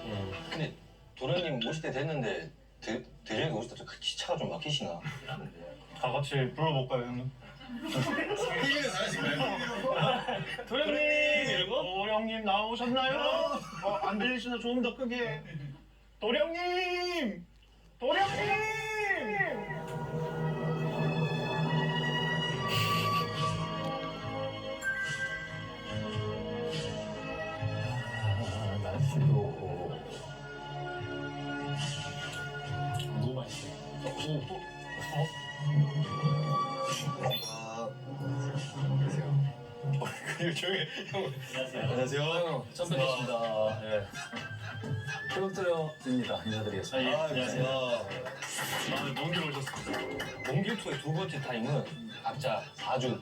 근데 도련님 오실 때 됐는데 대련이 오실 때 기차가 좀 막히시나? 다 같이 불러볼까요, 형님? TV는 잘하신가요? 도련님! 이러고? 도령님 나오셨나요? 안 들리시나 조금 더 크게. 도령님! 도령님! 날씨도 너무 맛있어. 조용히 형. 안녕하세요. 선배님입니다. 예. 트로트입니다. 인사드리겠습니다. 안녕하세요. 먼길 오셨습니다. 몽길 투의 두 번째 타임은 각자 4주.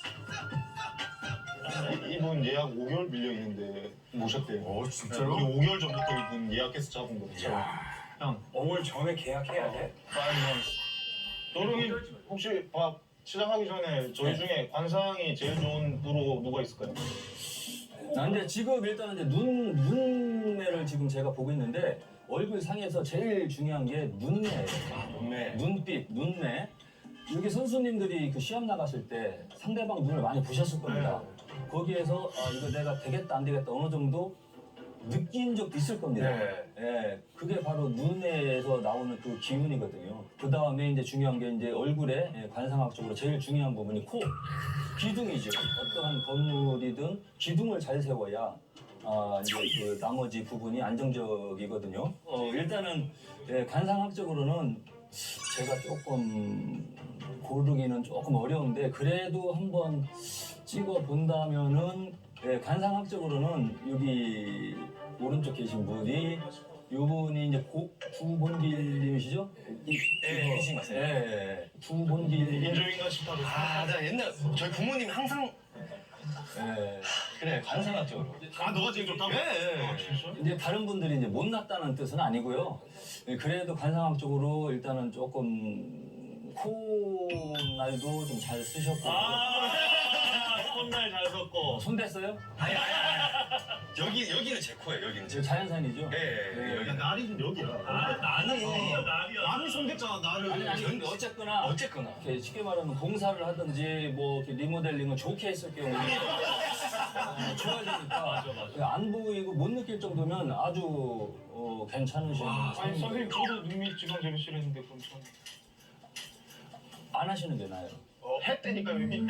이분 예약 5개월 밀려 있는데 모셨대요. 진짜로? 우리 5개월 전부터 이분 예약해서 잡은 거죠. 형, 5월 전에 계약해야 돼? 5months. 도령님 혹시 밥 시작하기 전에 저희 중에 관상이 제일 좋은 부로 누가 있을까요? 근데 지금 일단은 이제 눈매를 지금 제가 보고 있는데 얼굴 상에서 제일 중요한 게 눈매예요. 몸매. 눈빛, 눈매. 여기 선수님들이 그 시합 나갔을 때 상대방 눈을 많이 보셨을 겁니다. 거기에서 이거 내가 되겠다 안 되겠다 어느 정도 느낀 적도 있을 겁니다. 네. 예, 그게 바로 눈에서 나오는 그 기운이거든요. 그 다음에 이제 중요한 게 이제 얼굴에 관상학적으로 제일 중요한 부분이 코, 기둥이죠. 어떠한 건물이든 기둥을 잘 세워야 이제 그 나머지 부분이 안정적이거든요. 일단은 관상학적으로는 제가 조금 고르기는 조금 어려운데 그래도 한번 찍어 본다면은 관상학적으로는 여기 오른쪽 계신 분이 요분이 이제 구본길님이시죠? 예, 계신 것 같아요. 예, 구본길. 인조인간 싶다고. 나 옛날 저희 부모님이 항상 예. 그래 관상학적으로. 너가 제일 좋다고? 예. 진짜? 이제 다른 분들이 이제 못났다는 뜻은 아니고요. 그래도 관상학적으로 일단은 조금 코날도 좀 잘 쓰셨고. 콧날 잘 섰고. 손 댔어요? 아니. 여기는 제 코예요. 여기는 제. 자연산이죠? 예, 여기. 날이는 여기야. 나는 나를 손댔잖아, 나를. 아니 근데 어쨌거나 이렇게 쉽게 말하면 공사를 하든지 뭐 이렇게 리모델링을 좋게 했을 경우에 좋아지니까 안 보이고 못 느낄 정도면 아주 괜찮으신 아니, 선생님, 저도 눈밑 지금 제일 싫어했는데, 그럼 전. 안 하시는 게 나아요. 했다니까, 여기.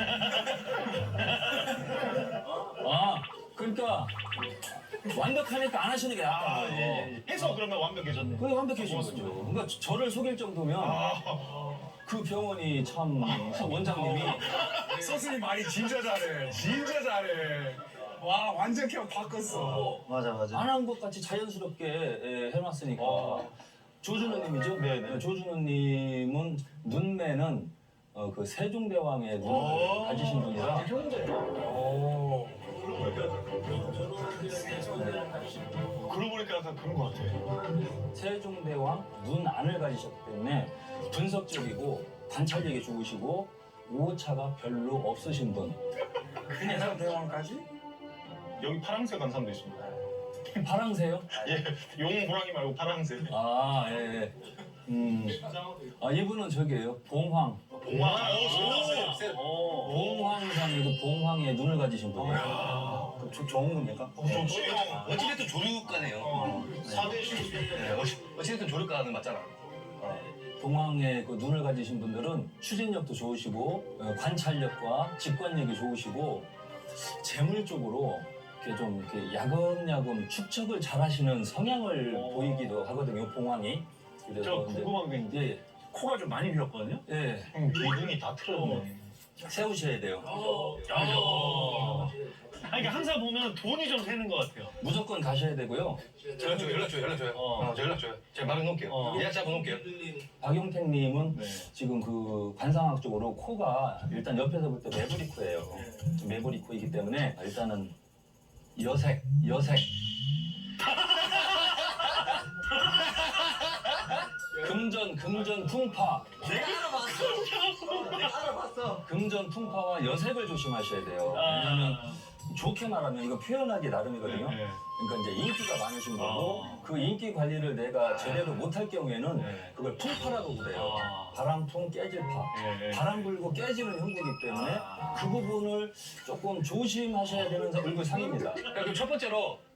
그러니까 완벽하니까 안 하시는 게 나아요. 해서 그러면 완벽해졌네. 그게 완벽해진 거죠. 그러니까 저를 속일 정도면 그 병원이 참 원장님이 선생님 말이 진짜 잘해. 진짜 잘해. 와, 완전 그냥 바꿨어. 맞아. 안 한 것 같이 자연스럽게 해놨으니까. 조준호님이죠? 네네. 조준호님은 눈매는 그 세종대왕의 눈을 가지신 분이라. 그러고 보니까 약간 그런 것 같아. 세종대왕 눈 안을 가지셨기 때문에 분석적이고 관찰력이 좋으시고 오차가 별로 없으신 분. 그냥 대왕까지? 여기 파랑새 관상도 있습니다. 파랑새요? 예, 용 호랑이 말고 파랑새. 예. 이분은 저기예요. 봉황. 봉황상이고 봉황의 눈을 가지신 분이에요. 좋은 겁니까? 좋지. 어찌됐든 조류과네요. 사대시. 네, 어찌됐든 조류과는 맞잖아. 봉황의 그 눈을 가지신 분들은 추진력도 좋으시고 관찰력과 직관력이 좋으시고 재물 쪽으로 이렇게 좀 이렇게 야금야금 축적을 잘하시는 성향을 보이기도 하거든요. 봉황이. 그래서 저 이제- 궁금한 게 있는데 코가 좀 많이 휘었거든요. 예, 형 기둥이 다 틀어졌네. 세우셔야 돼요. 아니 그러니까 항상 보면 돈이 좀 새는 것 같아요. 무조건 가셔야 되고요. 연락 줘요. 저 연락 줘요. 제가 말해 놓을게요. 예약 잡아 놓을게요. 박용택님은 지금 그 관상학적으로 코가 일단 옆에서 볼 때 매부리 코예요. 매부리 코이기 때문에 일단은 여색. 금전 풍파. 내가 알아봤어. 금전 풍파와 여색을 조심하셔야 돼요. 왜냐면 좋게 말하면 이거 표현하기 나름이거든요. 네. 그러니까 이제 인기가 많으신 거고 그 인기 관리를 내가 제대로 못할 경우에는 네. 그걸 풍파라고 그래요. 바람풍 깨질파. 네. 바람 불고 깨지는 형국이기 때문에 그 부분을 조금 조심하셔야 되는 얼굴 상입니다. 그럼 첫 번째로